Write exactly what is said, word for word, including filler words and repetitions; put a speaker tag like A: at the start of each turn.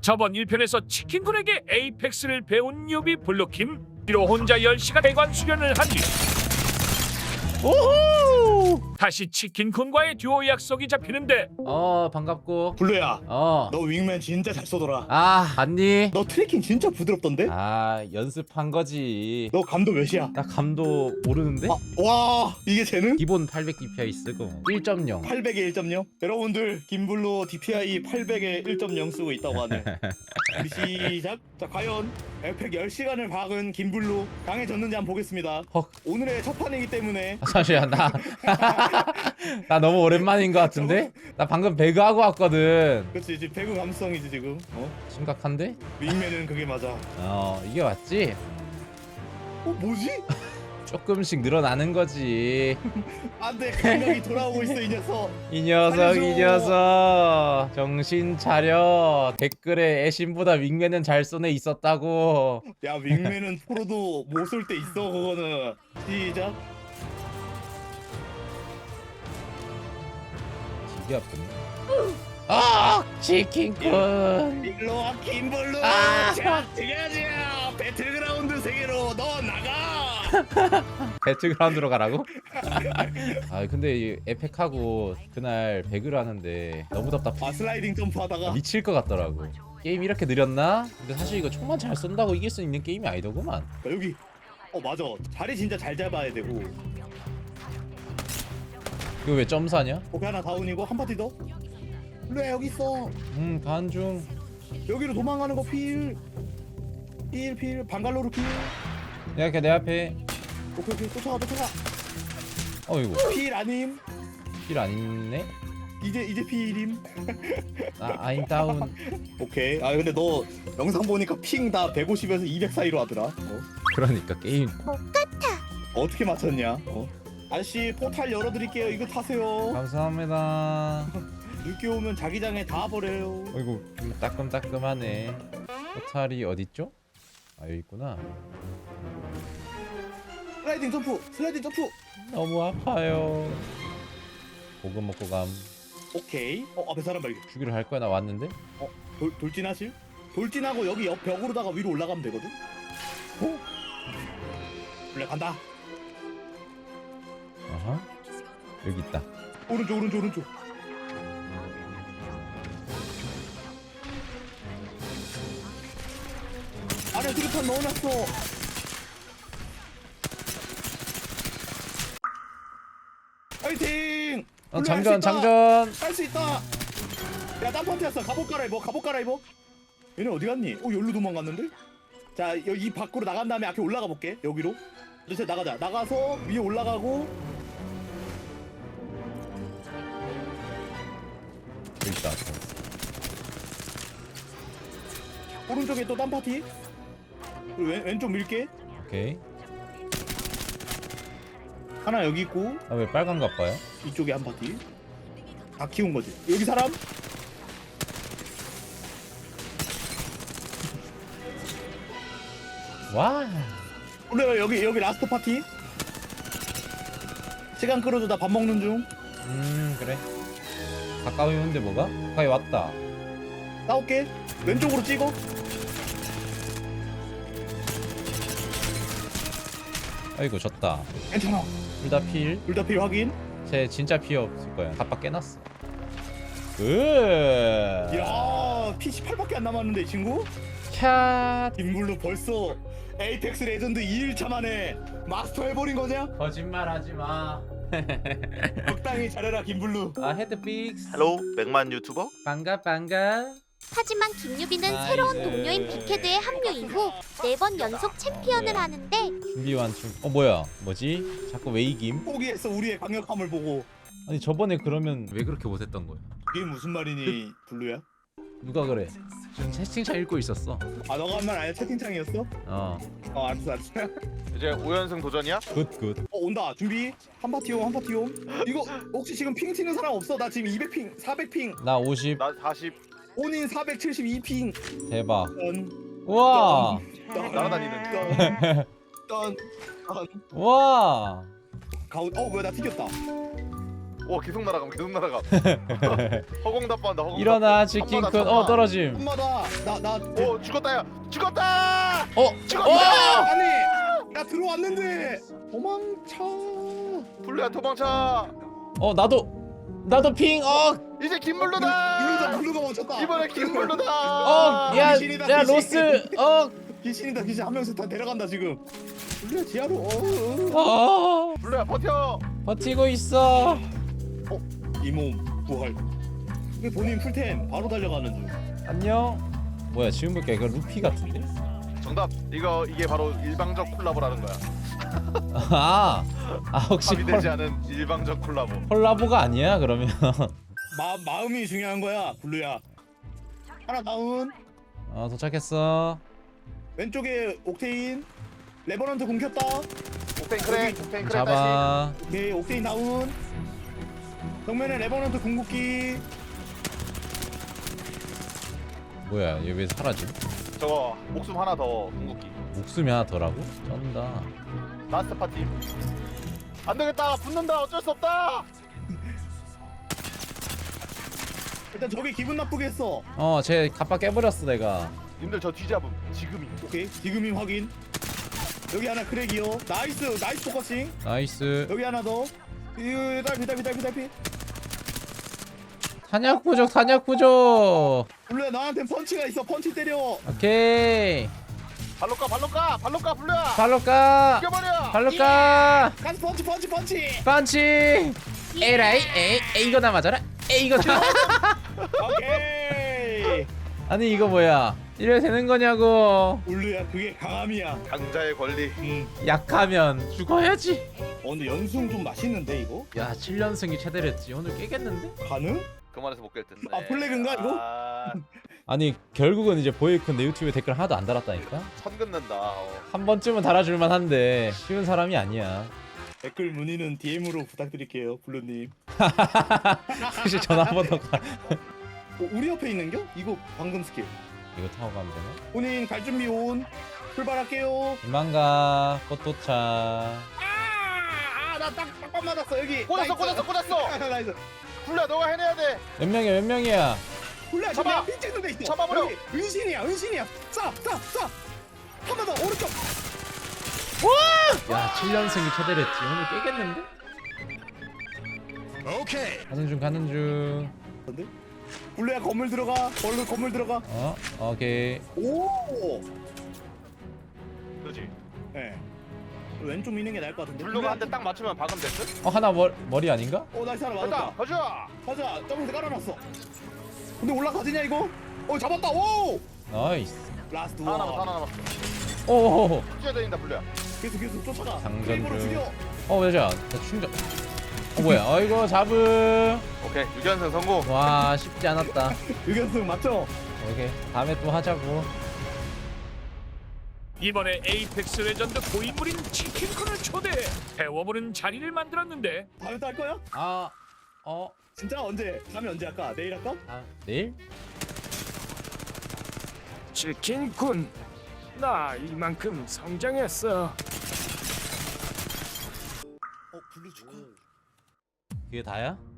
A: 저번 일 편에서 치킨군에게 에이펙스를 배운 뉴비 블루킴, 뒤로 혼자 열 시간 대관 수련을 한 뒤
B: 오호!
A: 다시 치킨군과의 듀오 약속이 잡히는데
B: 어 반갑고.
C: 블루야,
B: 어.
C: 너 윙맨 진짜 잘 쏘더라.
B: 아 봤니?
C: 너 트래킹 진짜 부드럽던데?
B: 아 연습한 거지.
C: 너 감도 몇이야?
B: 나 감도 모르는데?
C: 아, 와, 이게 재능?
B: 기본 팔백 디피아이 쓰고 일 점 영.
C: 팔백에 일 점 영? 여러분들, 김블루 디피아이 팔백에 일 점 영 쓰고 있다고 하네. 우리 시작. 자, 과연 에펙 열 시간을 박은 김블루 강해졌는지 한번 보겠습니다.
B: 헉.
C: 오늘의 첫 판이기 때문에
B: 아, 잠시만 나. 나 너무 오랜만인 것 같은데? 나 방금 배그하고 왔거든.
C: 그렇지, 지금 배구 감성이지 지금. 어?
B: 심각한데?
C: 윙맨은 그게 맞아.
B: 어 이게 맞지?
C: 어, 뭐지?
B: 조금씩 늘어나는 거지.
C: 안돼, 감각이 돌아오고 있어 이 녀석.
B: 이 녀석
C: 살려줘.
B: 이 녀석 정신 차려. 댓글에 애신보다 윙맨은 잘 쏘네 있었다고.
C: 야, 윙맨은 프로도 못 쏠 때 있어 그거는. 시작.
B: 되게 아프네. 아 치킨군.
C: 일로와 김블루.
B: 아!
C: 자, 지겨지. 배틀그라운드 세계로 너 나가.
B: 배틀그라운드로 가라고? 아 근데 이 에펙하고 그날 배그를 하는데 너무 답답해.
C: 아, 슬라이딩 점프하다가.
B: 미칠 것 같더라고. 게임 이렇게 느렸나? 근데 사실 이거 총만 잘 쏜다고 이길 수 있는 게임이 아니더구만.
C: 야, 여기. 어, 맞아. 자리 진짜 잘 잡아야 되고.
B: 이거 왜 점사냐?
C: 거기 하나 다운이고 한 파티 더. 블루야, 여기 있어.
B: 음 간중.
C: 여기로 도망가는 거 필. 필 필. 방갈로르 필.
B: 야 걔 내 앞에.
C: 오케이 오케이. 쫓아가 쫓아가.
B: 어이구
C: 필 아님.
B: 길 안 있네?
C: 이제 이제 필임.
B: 아 아임 다운.
C: 오케이. 아, 근데 너 영상 보니까 핑 다 백오십에서 이백 사이로 하더라. 어?
B: 그러니까 게임.
C: 어떻게 맞췄냐? 어? 아저씨, 포탈 열어드릴게요. 이거 타세요.
B: 감사합니다.
C: 늦게 오면 자기장에 다 버려요.
B: 어이구 좀 따끔따끔하네. 포탈이 어딨죠? 아 여기 있구나.
C: 슬라이딩 점프, 슬라이딩 점프.
B: 너무 아파요. 고급 먹고 감.
C: 오케이. 어, 앞에 사람 발견.
B: 주기로 할 거야. 나 왔는데?
C: 어, 돌 돌진하실? 돌진하고 여기 옆 벽으로다가 위로 올라가면 되거든. 어? 원래 간다.
B: 아하. 여기 있다.
C: 오른쪽, 오른쪽, 오른쪽. 안에 수류탄 넣어놨어. 파이팅!
B: 어, 장전 장전.
C: 할수 있다. 야, 딴 파티 왔어. 갑옷 갈아입어. 갑옷 갈아입어. 얘네 어디 갔니? 어, 여기로 도망갔는데? 자, 여기 이 밖으로 나간 다음에 앞에 올라가 볼게. 여기로. 이제 나가자. 나가서 위에 올라가고.
B: 여기 있다.
C: 오른쪽에 또 딴 파티. 그리고 왼, 왼쪽 밀게.
B: 오케이.
C: 하나 여기 있고
B: 아 왜 빨간 거 봐요?
C: 이쪽에 한 파티. 다 키운 거지. 여기 사람.
B: 와.
C: 원래 여기 여기 라스트 파티. 시간 끌어줘. 나 밥 먹는 중.
B: 음 그래. 가까이 오는데 뭐가? 가까이 왔다.
C: 싸울게. 왼쪽으로 찍어.
B: 아이고 졌다.
C: 괜찮아.
B: 둘 다 필.
C: 둘 다 필 확인.
B: 쟤 진짜 피 없을 거야. 갑박 깨놨어. 으.
C: 야, 피 십팔밖에 안 남았는데 이 친구.
B: 캬.
C: 김블루 벌써 에이펙스 레전드 이 일차 만에 마스터 해버린 거냐?
B: 거짓말하지 마.
C: 적당히 잘해라 김블루.
B: 아 헤드 픽스.
D: 헬로 백만 유튜버?
B: 반가 반가.
E: 하지만 김유빈은
B: 나이스.
E: 새로운 동료인 빅헤드의 합류 이후 네 번 연속 챔피언을 하는데
B: 준비 완충. 어 뭐야? 뭐지? 자꾸 왜 이김?
C: 포기했어 우리의 강력함을 보고.
B: 아니 저번에 그러면 왜 그렇게 못했던 거야?
C: 그게 무슨 말이니 블루야?
B: 누가 그래? 지금 채팅창 읽고 있었어.
C: 아, 너가 한 말 아니야? 채팅창이었어?
B: 어.
C: 어, 알았어 알았어.
D: 이제 오 연승 도전이야?
B: 굿 굿.
C: 어, 온다. 준비. 한 파티용 한 파티용. 이거 혹시 지금 핑 튀는 사람 없어? 나 지금 이백 핑, 사백 핑.
B: 나 오십.
D: 나 사십.
C: 온인 사백칠십이 핑.
B: 대박.
C: 떤,
B: 우와.
C: 떤,
D: 날아다니는.
C: 떤, 떤, 떤.
B: 우와.
C: 가운. 어, 뭐야? 나 튀겼다.
D: 오 계속 날아감 계속 날아감. 허공 답반다 허공.
B: 일어나
D: 답반.
B: 치킨쿤.
D: 천마다,
B: 어
D: 천마.
B: 떨어짐.
C: 엄마다 나나
D: 오 죽었다 야 죽었다.
B: 어
D: 죽었다.
C: 아니 나 들어왔는데 도망쳐.
D: 블루야 도망쳐.
B: 어 나도 나도 핑. 어
D: 이제
C: 블루다
D: 김블루다.
C: 블루가 멈췄다.
D: 이번에 김블루다.
B: 어, 야,
C: 귀신이다,
B: 야,
C: 귀신.
B: 로스, 어,
C: 귀신이다 귀신 한 명씩 다 데려간다 지금. 블루야 지하로. 어, 어.
B: 어,
D: 블루야 버텨.
B: 버티고 있어.
C: 이몸 부활. 이게 본인 풀템 바로 달려가는 중.
B: 안녕. 뭐야, 지금 보니까 이거 루피 같은데?
D: 정답. 이거 이게 바로 일방적 콜라보라는 거야.
B: 아, 아 혹시
D: 합의되지
B: 콜,
D: 않은 일방적 콜라보.
B: 콜라보가 아니야? 그러면
C: 마 마음이 중요한 거야 블루야. 하나 다운.
B: 어, 도착했어.
C: 왼쪽에 옥테인. 레버넌트 공 켰다.
D: 옥테인 크랙. 옥테인 크랙 다시.
B: 잡아.
C: 오케이 옥테인 다운. 정면에 레버넌트 궁극기.
B: 뭐야, 얘 왜 사라지?
D: 저거 목숨 하나 더 궁극기.
B: 목숨이 하나 더라고? 쩐다.
D: 라스트 파티. 안 되겠다. 붙는다. 어쩔 수 없다.
C: 일단 저기 기분 나쁘게 했어.
B: 어, 쟤 갑바 깨버렸어 내가.
D: 님들 저 뒤잡음. 지금이.
C: 오케이 지금이 확인. 여기 하나 크랙이요. 나이스 나이스 포커싱.
B: 나이스.
C: 여기 하나 더. 이거 달피 달피 달피 달피.
B: 탄약 부족, 탄약 부족.
C: 블루야 나한테 펀치가 있어. 펀치 때려.
B: 오케이.
D: 발로 까 발로 까 발로 까 블루야.
B: 발로 까.
D: 죽여버려.
B: 발로 까.
C: 가스 펀치 펀치 펀치.
B: 펀치. 에라이, 에이, 에이 이거나 맞아라. 에이 이거나.
C: 오케이.
B: 아니 이거 뭐야? 이래 되는 거냐고.
C: 블루야 그게 강함이야.
D: 강자의 권리.
C: 응.
B: 약하면 죽어야지.
C: 어 근데 연승 좀 맛있는데 이거?
B: 야, 칠 연승이 최대랬지. 오늘 깨겠는데?
C: 가능?
D: 그만해서 못 깰 텐데.
C: 아, 플래그인가, 이거?
D: 아,
B: 아니 결국은 이제 보이콘 내 유튜브에 댓글 하나도 안 달았다니까.
D: 선 긋는다. 어.
B: 한 번쯤은 달아줄만 한데 쉬운 사람이 아니야.
C: 댓글 문의는 디엠으로 부탁드릴게요 블루님.
B: 혹시 전화 한 번 더 가.
C: 어, 우리 옆에 있는겨? 이거 방금 스킬.
B: 이거 타고 가면 되나?
C: 본인 갈 준비 온. 출발할게요.
B: 이만 가. 꽃 도착.
C: 아나딱 딱밤 맞았어 여기.
D: 꽂았어 꽂았어 꽂았어.
C: 나이스.
D: 블루야 너가 해내야 돼.
B: 몇 명이야? 몇 명이야?
C: 블루야 지금
D: 잡아!
C: 내가 핀 찍는 데 있어.
D: 잡아버려!
C: 여기 은신이야 은신이야. 쏴쏴쏴 한 번 더 오른쪽.
B: 야, 칠 연승이 최대랬지. 오늘 깨겠는데?
C: 오케이.
B: 가는 중 가는 중.
C: 블루야 건물 들어가. 얼른 건물 들어가.
B: 어? 오케이.
C: 오.
D: 그렇지.
C: 네. 왼쪽 미는 게 나을 것 같은데.
D: 블루가 한 대 딱 맞추면 박으면 됐어?
B: 어, 하나 머, 머리 아닌가?
C: 오 나이스 하나
D: 됐다.
C: 맞았다.
D: 가자.
C: 가자. 점에서 깔아놨어. 근데 올라가지냐 이거? 어 잡았다. 오.
B: 나이스.
C: 라스트
D: 하나 남았어
C: 원.
D: 하나 남았어.
B: 오호호.
D: 뛰어야 되는다 블루야.
C: 계속 계속 쫓아가.
B: 장전
C: 크레이브로
B: 중.
C: 죽여.
B: 어, 왜자? 나 충전. 어, 뭐야? 어이구, 잡음.
D: 오케이 육 연승 성공.
B: 와, 쉽지 않았다.
C: 유견승 맞죠?
B: 오케이. 다음에 또 하자고.
A: 이번에 에이펙스 레전드 고인물인 치킨쿤을 초대해 배워보는 자리를 만들었는데
C: 다음에 또 할 거야?
B: 아, 어,
C: 진짜 언제? 다음에 언제 할까? 내일 할까?
B: 아, 내일?
A: 치킨쿤 나 이만큼 성장했어.
C: 어 블루 축하.
B: 그게 다야?